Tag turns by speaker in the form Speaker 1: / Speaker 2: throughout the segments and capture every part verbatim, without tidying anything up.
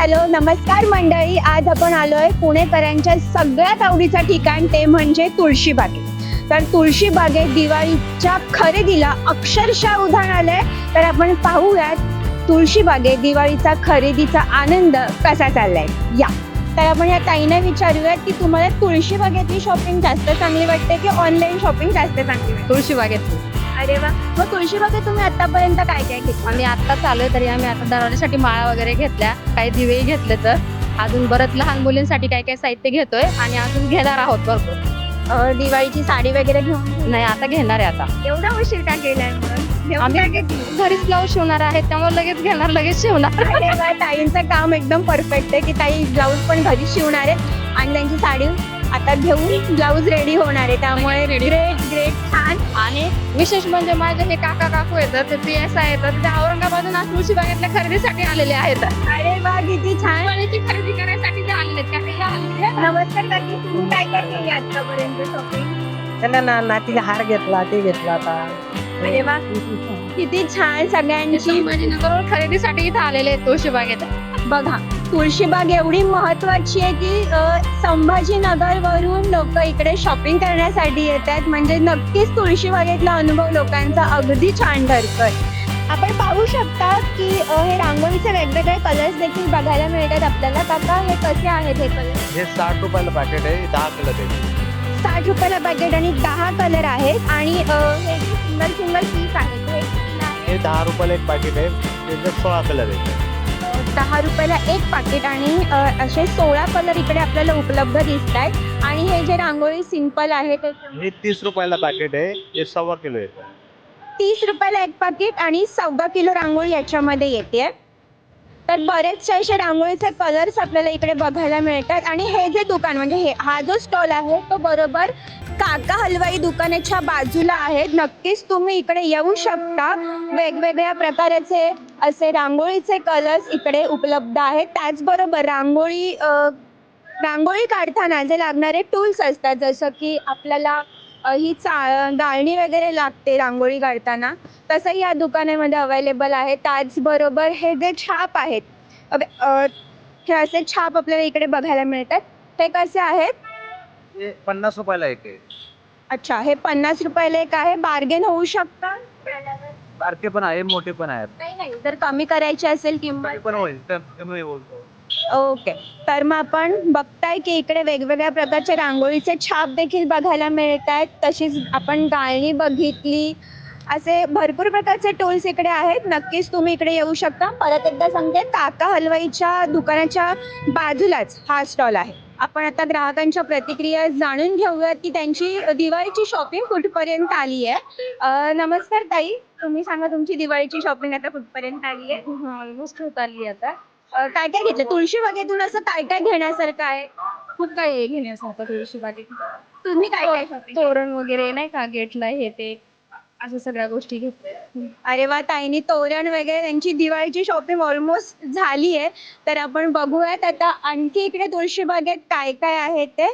Speaker 1: Hello नमस्कार मंडळी, आज आपण आलोय पुणेकरांच्या सगळ्यात आवडीचं ठिकाण, ते म्हणजे तुळशीबाग. तर तुळशीबागेत दिवाळीच्या खरेदीला अक्षरशः उधाण आलंय. तर आपण पाहूयात तुळशीबागेत दिवाळीचा खरेदीचा आनंद कसा चाललाय. या तर आपण या ताईंना विचारूयात की तुम्हाला तुळशीबागेतली शॉपिंग जास्त चांगली वाटते की ऑनलाईन शॉपिंग जास्त चांगली वाटते.
Speaker 2: तुळशीबागेत.
Speaker 1: अरे वा, मग तुळशीबागेत तुम्ही आतापर्यंत काय काय घेतलं?
Speaker 2: आम्ही आत्ता चालू तरी आम्ही आता दरवाजासाठी माळा वगैरे घेतल्या, काही दिवे घेतले, तर अजून बरंच लहान मुलींसाठी काय काय साहित्य घेतोय आणि अजून घेणार आहोत भरपूर.
Speaker 1: अं, दिवाळीची साडी वगैरे घेऊन
Speaker 2: नाही आता घेणार आहे. आता
Speaker 1: एवढा उशीर का केलाय? मग घेऊन
Speaker 2: आम्ही
Speaker 1: काय घेतली?
Speaker 2: घरीच ब्लाऊज शिवणार आहे, त्यामुळे लगेच घेणार, लगेच शिवणार.
Speaker 1: अरे वा, ताईंचं काम एकदम परफेक्ट आहे की ताई ब्लाऊज पण घरी शिवणार आहे आणि त्यांची साडी आता घेऊन ब्लाऊज रेडी होणार आहे. त्यामुळे
Speaker 2: Ready.
Speaker 1: ग्रेट ग्रेट छान.
Speaker 2: आणि विशेष म्हणजे माझे हे काका काकू येतात, ते पी एस आय येतात, ते औरंगाबादून आज तुळशीबागेतल्या खरेदीसाठी आलेले आहेत.
Speaker 1: अरे वा, किती छान.
Speaker 2: दिवाळीची खरेदी करायसाठी ते आलेले आहेत. काका, या आलेले आहेत.
Speaker 1: नमस्कार काकी, तुम्ही काय काय केली आतापर्यंत शॉपिंग?
Speaker 3: त्यांना ना नातीला हार घेतला, ते घेतला आता.
Speaker 1: अरे वा, किती छान. सगळ्यांची
Speaker 2: संभाजीनगरवर खरेदीसाठी इथं आलेले आहेत तुळशीबागेत.
Speaker 1: बघा, तुळशीबाग एवढी महत्वाची आहे की अ, संभाजीनगर वरून लोक इकडे शॉपिंग करण्यासाठी येतात. म्हणजे नक्कीच तुळशीबागेतला अनुभव लोकांचा अगदी छान ठरतोय. आपण पाहू शकता की अ, हे रांगोळीचे वेगवेगळे कलर्स देखील बघायला मिळतात आपल्याला. काका, हे कसे आहेत हे कलर?
Speaker 4: हे साठ रुपयाला पॅकेट आहे, दहा कलर आहे.
Speaker 1: साठ रुपयाला पॅकेट आणि दहा कलर आहेत. आणि अ, हे सिंगल सिंगल पीस आहेत, हे कितीला आहे?
Speaker 4: हे दहा रुपयाला एक पॅकेट आहे, त्याच्यात सोळा कलर आहे.
Speaker 1: दहा रुपयाला एक पाकिट आणि अ, असे सोळा कलर इकडे आपल्याला उपलब्ध दिसत आहेत. आणि हे जे रांगोळी सिंपल आहे ते
Speaker 4: हे तीस रुपयाला पॅकेट आहे, हे सव्वा किलो आहे.
Speaker 1: तीस रुपयाला एक पाकिट आणि सव्वा किलो रांगोळी याच्यामध्ये येते. तर बरेचसे असे रांगोळीचे कलर्स आपल्याला इकडे बघायला मिळतात. आणि हे जे दुकान म्हणजे हे हा जो स्टॉल आहे तो बरोबर काका हलवाई दुकानाच्या बाजूला आहे. नक्कीच तुम्ही इकडे येऊ शकता. वेगवेगळ्या प्रकारचे असे रांगोळीचे कलर्स इकडे उपलब्ध आहेत. त्याचबरोबर रांगोळी अ, रांगोळी काढताना जे लागणारे टूल्स असतात, जसं की आपल्याला अ, ही चा गाळणी वगैरे लागते रांगोळी काढताना, तसंही या दुकानामध्ये अवेलेबल आहे. त्याचबरोबर हे जे छाप आहेत, अबे, अ, हे असे छाप आपल्याला इकडे बघायला मिळतात. ते कसे आहेत?
Speaker 4: हे पन्नास रुपयाला एक आहे.
Speaker 1: अच्छा, हे पन्नास रुपयाला एक आहे. बार्गेन होऊ शकतं?
Speaker 4: बारके पण आहे, मोठे पण आहेत.
Speaker 1: नाही नाही, जर कमी करायची असेल किंमत
Speaker 4: कमी पण होईल, तर कमी बोलतो.
Speaker 1: ओके. तर मग आपण बघताय की इकडे वेगवेगळ्या प्रकारचे रांगोळीचे छाप देखील बघायला मिळत आहेत. तशीच आपण गाळणी बघितली. असे भरपूर प्रकारचे टूल्स इकडे आहेत. नक्कीच तुम्ही इकडे येऊ शकता. परत एकदा सांगते, काका हलवाईच्या दुकानाच्या बाजूलाच हा स्टॉल आहे. आपण आता ग्राहकांच्या प्रतिक्रिया जाणून घेऊयात की त्यांची दिवाळीची शॉपिंग कुठपर्यंत आली आहे. अ, नमस्कार ताई, तुम्ही सांगा तुमची दिवाळीची शॉपिंग आता कुठपर्यंत आली आहे?
Speaker 2: ऑलमोस्ट होत आली आता.
Speaker 1: अ, काय काय घेतलं तुळशीबागेतून? असं काय काय घेण्यासारखं आहे?
Speaker 2: खूप काही आहे घेण्यासारखं तुळशीबागेत.
Speaker 1: तुम्ही काय काय shopping केलं?
Speaker 2: तोरण वगैरे नाही का, गेटला हे ते अशा सगळ्या गोष्टी घेतल्या.
Speaker 1: अरे वा, ताईंनी तोरण वगैरे त्यांची दिवाळीची शॉपिंग ऑलमोस्ट झाली आहे. तर आपण बघूयात आता आणखी इकडे तुळशीबागेत काय काय आहे ते.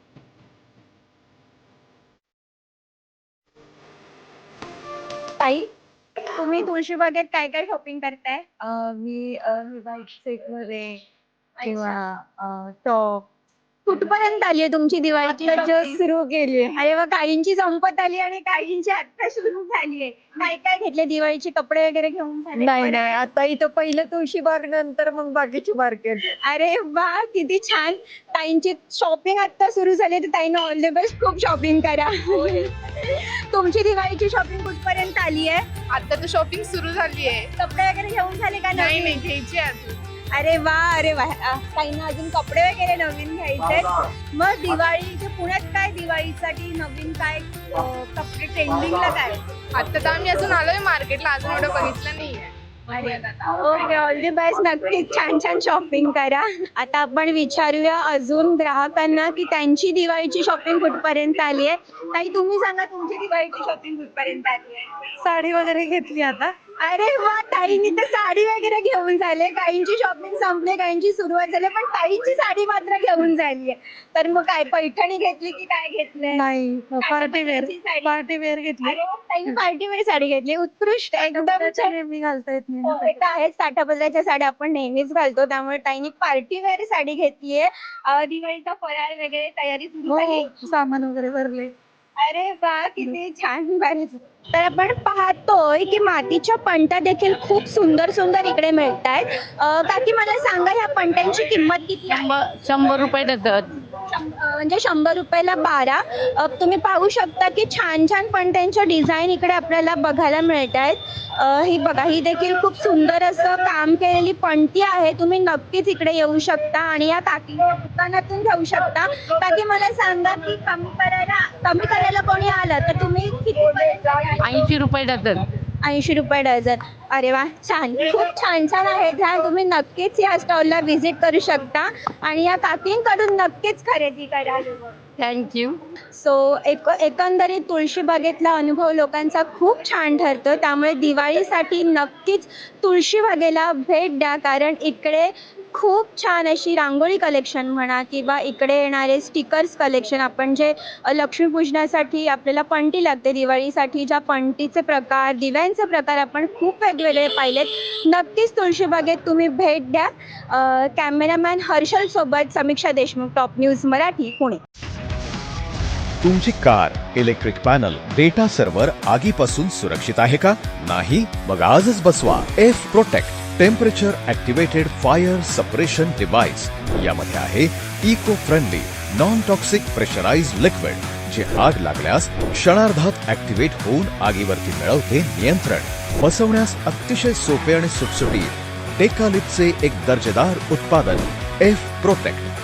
Speaker 1: ताई, तुम्ही तुळशीबागेत काय काय शॉपिंग करताय?
Speaker 3: मी व्हाईट सेट मध्ये किंवा टॉप
Speaker 1: कुठपर्यंत आली आहे तुमची दिवाळीची shopping?
Speaker 3: सुरू केली.
Speaker 1: अरे वा, काहींची संपत आली आणि काहींची आता सुरू झाली आहे. काय काय घेतले दिवाळीचे कपडे वगैरे घेऊन झाले?
Speaker 3: नाही नाही, आता इथं पहिलं तुळशी बाग, नंतर मग बाकीची मार्केट.
Speaker 1: अरे वा, किती छान. ताईंची शॉपिंग आता सुरू झाली, तर ताईंना ऑल द बेस्ट, खूप शॉपिंग करा. तुमची दिवाळीची शॉपिंग कुठपर्यंत आली आहे?
Speaker 5: आता तर शॉपिंग सुरू झाली आहे.
Speaker 1: कपडे वगैरे घेऊन झाले का?
Speaker 5: नाही
Speaker 1: नवीन?
Speaker 5: नाही, घ्यायची आहे अजून.
Speaker 1: अरे वा, अरे वा. अ, ताईंना अजून कपडे वगैरे नवीन घ्यायचे. मग दिवाळीचे पुण्यात काय दिवाळीसाठी नवीन काय अ, कपडे ट्रेंडिंगला काय?
Speaker 5: आता तर आम्ही अजून आलोय मार्केटला, अजून एवढं बघितलं नाहीये.
Speaker 1: Okay, all the best. नक्कीच छान छान शॉपिंग करा. आता आपण विचारूया अजून ग्राहकांना की त्यांची दिवाळीची शॉपिंग कुठपर्यंत आली आहे. ताई, तुम्ही सांगा तुमची दिवाळीची शॉपिंग कुठपर्यंत आली आहे?
Speaker 3: साडी वगैरे घेतली आता.
Speaker 1: अरे वा, ताईंनी तर साडी वगैरे घेऊन झाले, काहींची शॉपिंग संपली, काहींची सुरुवात झाली, पण ताईंची साडी मात्र घेऊन झाली. तर मग काय पैठणी घेतली की काय घेतलंय?
Speaker 3: नाही पार्टी वेअर
Speaker 1: पद्धतीची साडी.
Speaker 3: पार्टी वेअर घेतली.
Speaker 1: अरे वा, ताई पार्टी वेअर साडी घेतली, उत्कृष्ट एकदम
Speaker 3: त्याच्या
Speaker 1: छान.
Speaker 3: नेहमी घालता येत नाही
Speaker 1: हो,
Speaker 3: ना.
Speaker 1: हे तर आहेच, काठापदराच्या साड्या आपण नेहमीच घालतो, त्यामुळे ताईंनी पार्टी वेअर साडी घेतलीये. अं, दिवाळीचा फराळ वगैरे तयारी सुरू झाली.
Speaker 3: हो सामान वगैरे भरले.
Speaker 1: अरे वा, किती छान. बरेच तर आपण पाहतोय की मातीच्या पंट्या देखील खूप सुंदर सुंदर इकडे मिळत आहेत. काकी मला सांगा, ह्या पंट्यांची किंमत किती आहे?
Speaker 2: शंभर रुपये देतात.
Speaker 1: शं- अं, म्हणजे शंभर रुपयाला बारा. अं, तुम्ही पाहू शकता की छान छान पंट्यांच्या डिझाईन इकडे आपल्याला बघायला मिळत आहेत. अं, ही बघा, ही देखील खूप सुंदर असं काम केलेली पंटी आहे. तुम्ही नक्कीच इकडे येऊ शकता आणि या काकी दुकानातून घेऊ शकता. काकी मला सांगा की कमी करायला कमी करायला कोणी आलं तर तुम्ही किती?
Speaker 2: ऐंशी रुपये देतात.
Speaker 1: ऐंशी रुपये डझन. अरे वा, छान, खूप छान छान आहेत ह्या. तुम्ही नक्कीच या स्टॉलला व्हिजिट करू शकता आणि या काकींकडून नक्कीच खरेदी करा.
Speaker 2: थँक्यू.
Speaker 1: सो एक एकंदरीत तुळशीबागेतला अनुभव लोकांचा खूप छान ठरतो, त्यामुळे दिवाळीसाठी नक्कीच तुळशीबागेला भेट द्या, कारण इकडे खूप छान अशी रांगोळी कलेक्शन म्हणा किंवा इकडे येणारे स्टिकर्स कलेक्शन, आपण जे अ, लक्ष्मीपूजनासाठी आपल्याला पंटी लागते, दिवाळीसाठी ज्या पंटीचे प्रकार, दिव्यांचे प्रकार आपण खूप वेगवेगळे पाहिलेत. नक्कीच तुळशीबागेत तुम्ही भेट द्या. अ, कॅमेरामॅन हर्षल सोबत समीक्षा देशमुख, टॉप न्यूज मराठी, पुणे.
Speaker 6: तुमची car, electric panel, data server आगीपासून सुरक्षित आहे का? नाही? मग आजच बसवा F protect temperature activated fire suppression device. यामध्ये आहे eco friendly non toxic pressurise liquid, जे आग लागल्यास क्षणार्धात ऍक्टिव्हेट होऊन आगीवरती मिळवते नियंत्रण. बसवण्यास अतिशय सोपे आणि सुटसुटीत टेकालिपचे एक दर्जेदार उत्पादन एफ प्रोटेक्ट.